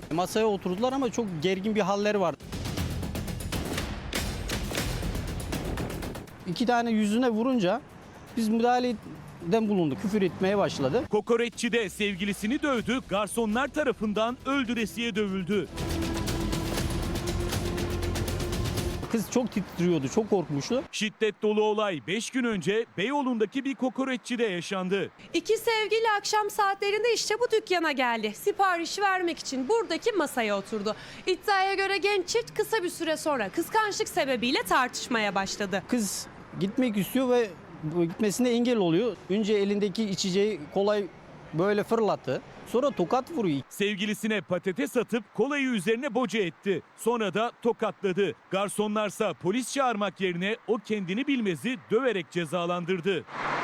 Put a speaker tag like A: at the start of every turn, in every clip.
A: Masaya oturdular ama çok gergin bir halleri var. İki tane yüzüne vurunca biz müdahaleden bulunduk. Küfür etmeye başladı.
B: Kokoreççi de sevgilisini dövdü, garsonlar tarafından öldüresiye dövüldü.
A: Kız çok titriyordu, çok korkmuştu.
B: Şiddet dolu olay 5 gün önce Beyoğlu'ndaki bir kokoreççide yaşandı.
C: İki sevgili akşam saatlerinde işte bu dükkana geldi. Sipariş vermek için buradaki masaya oturdu. İddiaya göre genç çift kısa bir süre sonra kıskançlık sebebiyle tartışmaya başladı.
A: Kız gitmek istiyor ve gitmesine engel oluyor. Önce elindeki içeceği kolay böyle fırlattı. Sonra tokat vuruyor.
B: Sevgilisine patates atıp kolayı üzerine boca etti. Sonra da tokatladı. Garsonlarsa polis çağırmak yerine o kendini bilmezi döverek cezalandırdı.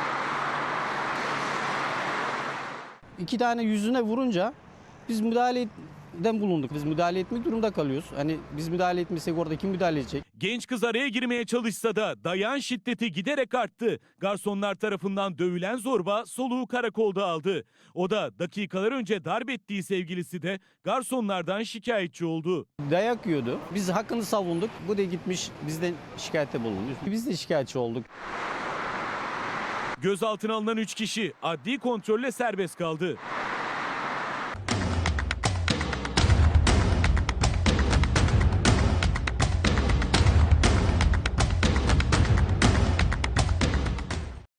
A: İki tane yüzüne vurunca biz müdahaleden bulunduk. Biz müdahale etmek durumunda kalıyoruz. Hani biz müdahale etmesek orada kim müdahale edecek?
B: Genç kız araya girmeye çalışsa da dayan şiddeti giderek arttı. Garsonlar tarafından dövülen zorba soluğu karakolda aldı. O da dakikalar önce darp ettiği sevgilisi de garsonlardan şikayetçi oldu.
A: Dayak yiyordu. Biz hakkını savunduk. Bu da gitmiş bizden şikayette bulunmuş. Biz de şikayetçi olduk.
B: Gözaltına alınan 3 kişi adli kontrolle serbest kaldı.